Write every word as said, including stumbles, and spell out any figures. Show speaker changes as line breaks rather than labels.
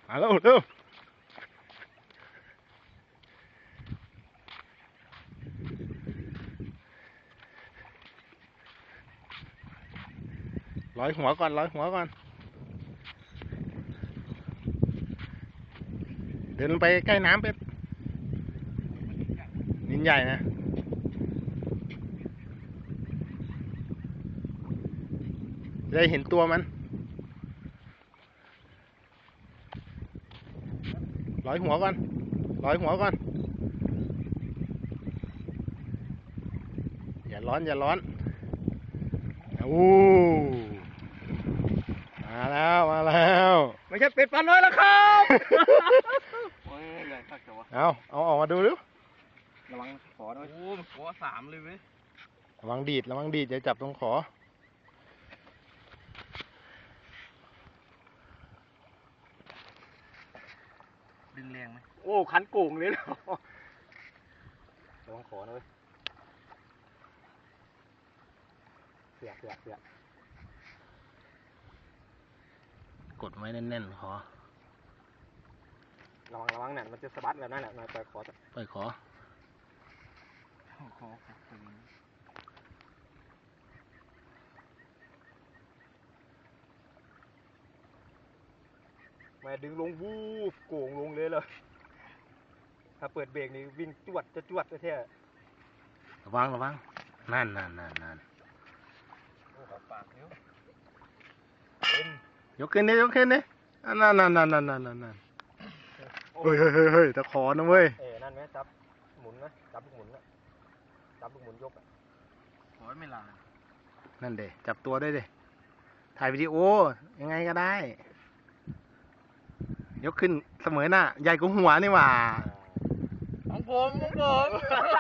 มาแล้วเร็วร้อยหัวก่อนร้อยหัวก่อนเดินไปใกล้น้ำเป็ดนินใหญ่นะได้เห็นตัวมันร้อยหัวก่อนร้อยหัวก่อนอย่าร้อนอย่าร้อนโอ้มาแล้วมาแล้ว
ไม่ใช่เป็ดปลาน้อยแล้วครับโอ้ยใหญ่คักจังวะ
เอาเอาออกมาดูดู
ระวังขอด้วยโอ้มันขอสามเลยเว้ย
ระวังดีดระวังดีดอย่าจับตรงขอ
ดึงแรงไหมโอ้คันโก่งเลยนะระวังขอนะเว้ยเสียเสียเสีย
กดไว้แน่นๆขอ
ระวังระวังเนี่ยมันจะสะบัดแบบนั้นแหละนายปล่อยขอ
ปล่อยขอ
ขอแม่ดึงลงวูบโก่งลงเลยเลยถ้าเปิดเบรกนี่วิ่งจวดจะจวดแท้
ระวังระวังนั่นนั่นนั่นนั่น
โอ้ปากเนี้ย
ยกขึ้นดิยกขึ้นดินั่นนั่นนั่นนั่นนั่นนั่นเฮ้ยเฮ้ยเฮ้ยตะขอนะเว้ย
เอ๋นั่นไหมจับหมุนนะจับลูกหมุนนะจับลูกหมุนยกอ่ะขอไม่ลา
นั่นเดจับตัวได้ดิถ่ายวิดีโอยังไงก็ได้ยกขึ้นเสมอหน้าใหญ่กว่าหัวนี่หว่า
ของผมของผม